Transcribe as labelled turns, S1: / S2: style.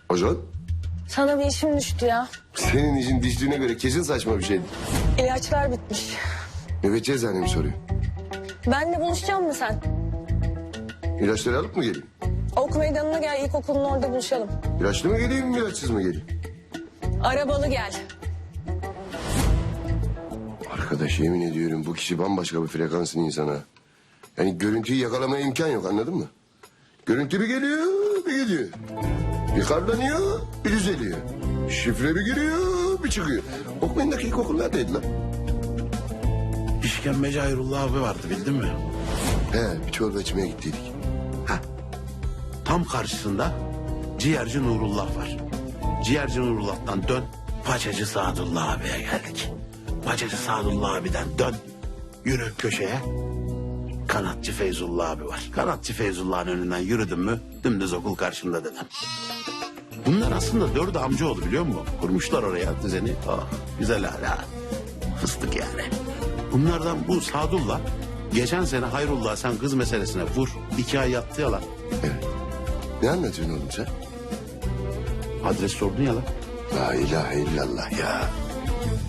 S1: Ajan?
S2: Sana bir işim düştü ya.
S1: Senin işin düştüğüne göre kesin saçma bir şeydi.
S2: İlaçlar bitmiş.
S1: Nöbetçi eczane mi soruyor?
S2: Benle buluşacak mısın sen?
S1: İlaçları alıp mı geleyim?
S2: Ok meydanına gel, ilkokulun orada buluşalım.
S1: İlaçlı mı geleyim, ilaçsız mı geleyim?
S2: Arabalı gel.
S1: Arkadaş yemin ediyorum bu kişi bambaşka bir frekansın insana. Yani görüntüyü yakalamaya imkan yok, anladın mı? Görüntü bir geliyor, bir gidiyor. Bir karlanıyor, bir düzeliyor. Şifre bir giriyor, bir çıkıyor. Okmayındaki ilkokul neredeydi lan?
S3: İşkembeci Hayrullah abi vardı, bildin mi?
S1: He, bir çorba içmeye gittiydik.
S3: Tam karşısında ciğerci Nurullah var. Ciğerci Nurullah'tan dön, paçacı Sadullah abiye geldik. Paçacı Sadullah abiden dön, yürü köşeye. Kanatçı Feyzullah abi var. Kanatçı Feyzullah'ın önünden yürüdün mü dümdüz okul karşında dedem. Bunlar aslında dördü amcaoğlu, biliyor musun? Kurmuşlar oraya düzeni. Oh, güzel hala. Fıstık yani. Bunlardan bu Sadullah geçen sene Hayrullah sen kız meselesine vur. 2 ay yattı ya lan.
S1: Evet. Ne anlatıyorsun oğlum sen?
S3: Adres sordun ya lan.
S1: La ilahe illallah ya.